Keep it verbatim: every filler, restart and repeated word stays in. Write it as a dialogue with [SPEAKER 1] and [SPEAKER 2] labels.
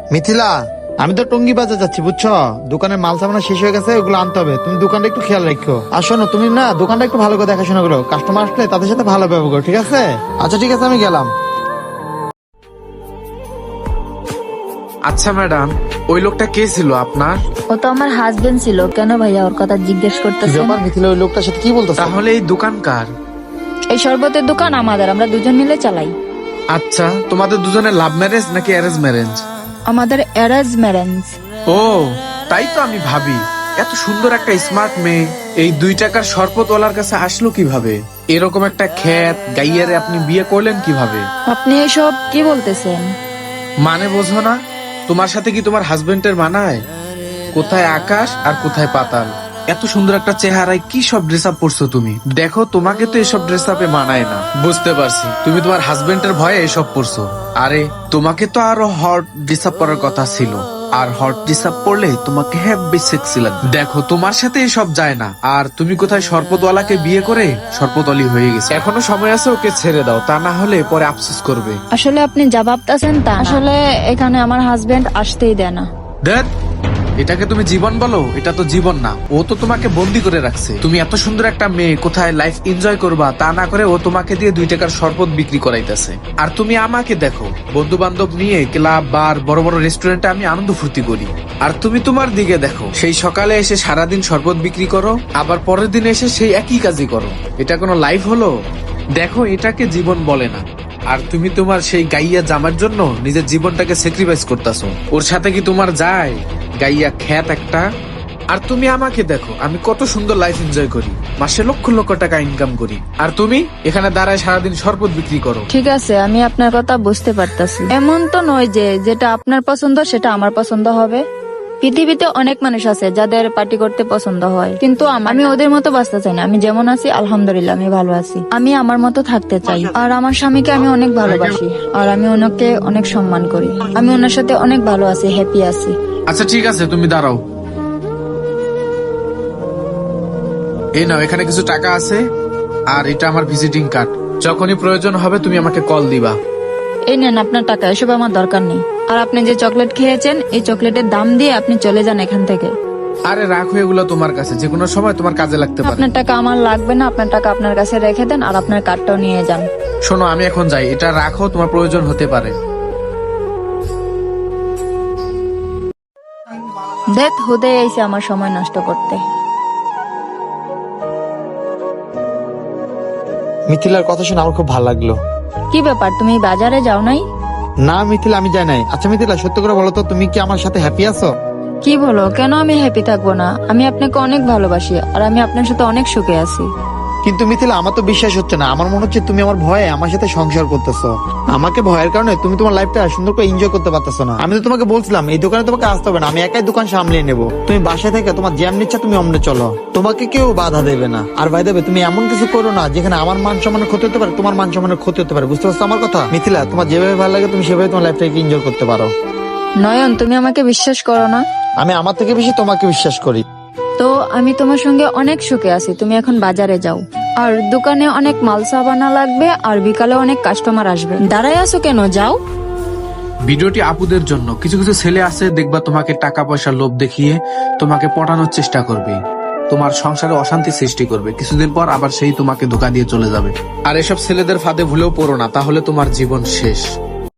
[SPEAKER 1] মিথিলা, আমি তো টঙ্গি বাজার যাচ্ছি বুঝছো, দোকানের মাল সামানা শেষ হয়ে গেছে, ওগুলো আনতে হবে। তুমি দোকানটা একটু খেয়াল রাখো। আর শোনো, তুমি না দোকানটা একটু ভালো করে দেখাশোনা করো, কাস্টমার আসলে তাদের সাথে ভালো ব্যবহার করো, ঠিক আছে? আচ্ছা ঠিক আছে, আমি গেলাম।
[SPEAKER 2] আচ্ছা ম্যাডাম, ওই লোকটা কে ছিল আপনার?
[SPEAKER 3] ও তো আমার হাজবেন্ড ছিল। কেন ভাইয়া ওর কথা জিজ্ঞেস
[SPEAKER 1] কি
[SPEAKER 3] করতেছেন?
[SPEAKER 1] ব্যাপার মিথিলা, ওই লোকটার সাথে কি বলতেছ?
[SPEAKER 2] তাহলে এই দোকান কার?
[SPEAKER 3] এই শরবতের দোকান আমাদের, আমরা দুজন মিলে চালাই।
[SPEAKER 2] আচ্ছা, তোমাদের দুজনের লাভ ম্যারেজ নাকি অ্যারেঞ্জ ম্যারেজ?
[SPEAKER 3] আমাদের অ্যারেঞ্জ ম্যারেজ।
[SPEAKER 2] ও, তাই তো আমি ভাবি এত সুন্দর একটা স্মার্ট মেয়ে এই দুই টাকার শরবতওয়ালার কাছে আসলো কিভাবে? এরকম একটা খ্যাত গাইয়ারে আপনি বিয়ে করলেন কিভাবে?
[SPEAKER 3] আপনি এসব কি বলতেছেন?
[SPEAKER 2] মানে বোঝো না? তোমার সাথে কি তোমার হাজবেন্ডের মানায়? কোথায় আকাশ আর কোথায় পাতাল। এত সুন্দর একটা চেহারায় কি সব ড্রেস আপ পরছো তুমি? দেখো, তোমাকে তো এসব ড্রেস আপে মানায় না। বুঝতে পারছি, তুমি তোমার হাজবেন্ডের ভয়ে এসব পরছো। আরে, তোমাকে তো আরো হট ড্রেস আপ পরার কথা ছিল। আর হট ড্রেস আপ পরলে তোমাকে হেভি সেক্সি লাগবে। দেখো, তোমার সাথে এসব যায় না। আর তুমি কোথায় শরবতওয়ালাকে বিয়ে করে শরবতওয়ালি হয়ে গেছে। এখনো সময় আছে, ওকে ছেড়ে দাও, তা না হলে পরে আফসোস করবে।
[SPEAKER 3] আসলে আপনি যা ভাবতেছেন তা না। আসলে এখানে আমার হাজবেন্ড আসতেই দেয় না।
[SPEAKER 2] দেখ, এটাকে তুমি জীবন বলো? এটা তো জীবন না, ও তো তোমাকে বন্দি করে রাখছে। তুমি এত সুন্দর একটা মেয়ে, কোথায় লাইফ এনজয় করবা তা না করে ও তোমাকে দিয়ে দুই টাকার শরবত বিক্রি করাইতেছে। আর তুমি আমাকে দেখো, বন্ধু বান্ধব নিয়ে ক্লাব, বার, বড় বড় রেস্টুরেন্টে আমি আনন্দ ফুর্তি করি। আর তুমি তোমার দিকে দেখো, সেই সকালে এসে সারাদিন শরবত বিক্রি করো, আবার পরের দিন এসে সেই একই কাজই করো। এটা কোনো লাইফ হলো? দেখো, এটাকে জীবন বলে না। আর তুমি তোমার সেই গাইয়া জামার জন্য নিজের জীবনটাকে স্যাক্রিফাইস করতেছো। ওর সাথে কি তোমার যায়? গাইয়া খ্যাত একটা। আর তুমি আমাকে দেখো, আমি কত সুন্দর লাইফ এনজয় করি, মাসে লক্ষ লক্ষ টাকা ইনকাম করি। আর তুমি এখানে দাঁড়ায় সারাদিন শরবত বিক্রি করো।
[SPEAKER 3] ঠিক আছে, আমি আপনার কথা বুঝতে পারতাছি। এমন তো নয় যে যেটা আপনার পছন্দ সেটা আমার পছন্দ হবে। পৃথিবীতে অনেক মানুষ আছে যাদের পার্টি করতে পছন্দ হয়, কিন্তু আম- আমি ওদের মতো বাঁচতে চাই না। আমি যেমন আছি আলহামদুলিল্লাহ, আমি ভালো আছি। আমি আমার মতো থাকতে চাই। আর আমার স্বামীকে আমি অনেক ভালোবাসি, আর আমি ওনাকে অনেক সম্মান করি। আমি ওনার সাথে অনেক ভালো আছি, হ্যাপি আছি।
[SPEAKER 2] আচ্ছা ঠিক আছে, তুমি দাঁড়াও। এই নাও, এখানে কিছু টাকা আছে, আর এটা আমার ভিজিটিং কার্ড। যখনই প্রয়োজন হবে তুমি আমাকে কল দিবা।
[SPEAKER 3] এই নেন আপনার টাকা, এসব আমার দরকার নেই। আর আপনি যে চকলেট খেয়েছেন, এই চকলেটের দাম দিয়ে আপনি চলে যান এখান থেকে।
[SPEAKER 2] আরে রাখো, এগুলো তোমার কাছে, যে কোনো সময় তোমার কাজে লাগতে পারে।
[SPEAKER 3] আপনার টাকা আমার লাগবে না, আপনার টাকা আপনার কাছে রেখে দেন, আর আপনার কার্ডটাও নিয়ে যান।
[SPEAKER 2] শোনো, আমি এখন যাই, এটা রাখো, তোমার প্রয়োজন হতে পারে।
[SPEAKER 3] দেখ, হুদে এসে আমার সময় নষ্ট করতে।
[SPEAKER 1] মিথিলার কথা শুনে আমার খুব ভালো লাগলো।
[SPEAKER 3] কি ব্যাপার, তুমি বাজারে যাও নাই?
[SPEAKER 1] না মিথিলা, আমি যাই নাই। আচ্ছা মিথিলা, সত্য করে বলো তো, তুমি কি আমার সাথে হ্যাপি আছো?
[SPEAKER 3] কি বলো, কেন আমি হ্যাপি থাকবো না? আমি আপনাকে অনেক ভালোবাসি, আর আমি আপনার সাথে অনেক সুখে আছি।
[SPEAKER 1] কিন্তু মিথিলা, আমার তো বিশ্বাস হচ্ছে না। আমার মনে হচ্ছে তুমি আমার ভয়ে আমার সাথে সংসার করতেছো। আমাকে ভয়ের কারণে তুমি তোমার লাইফটা সুন্দর করে এনজয় করতে পারতেছো না। আমি তো তোমাকে বলছিলাম এই দোকানে তোমাকে আসতে হবে না, আমি একাই দোকান সামলিয়ে নেবো। তুমি বাসায় থেকে তোমার জ্যাম নিচ্ছা, তুমি অমনে চলো, তোমাকে কেউ বাধা দেবে না। আর ভাই দেবে, তুমি এমন কিছু করো না যেখানে আমার মান সম্মানের ক্ষতি হতে পারে, তোমার মান সম্মানের ক্ষতি হতে পারে। বুঝতে পারছো আমার কথা? মিথিলা, তোমার যেভাবে ভালো লাগে তুমি সেভাবে তোমার লাইফটাকে এনজয় করতে পারো।
[SPEAKER 3] নয়ন, তুমি আমাকে বিশ্বাস করো না?
[SPEAKER 1] আমি আমার থেকে বেশি তোমাকে বিশ্বাস করি।
[SPEAKER 3] তো আমি তোমার সঙ্গে অনেক সুখে আছি। তুমি এখন বাজারে যাও, আর দোকানে অনেক মাল সাবানা লাগবে, আর বিকালে অনেক কাস্টমার আসবে। দাঁড়ায় আছো কেন, যাও।
[SPEAKER 2] ভিডিওটি আপুদের জন্য। কিছু কিছু ছেলে আছে, দেখবা তোমাকে টাকা পয়সার লোভ দেখিয়ে তোমাকে পটানোর চেষ্টা করবে, তোমার সংসারে অশান্তি সৃষ্টি করবে। কিছুদিন পর আবার সেই তোমাকে ধোকা দিয়ে চলে যাবে। আর এসব ছেলেদের ফাঁদে ভুলেও পড়ো না, তাহলে তোমার জীবন শেষ।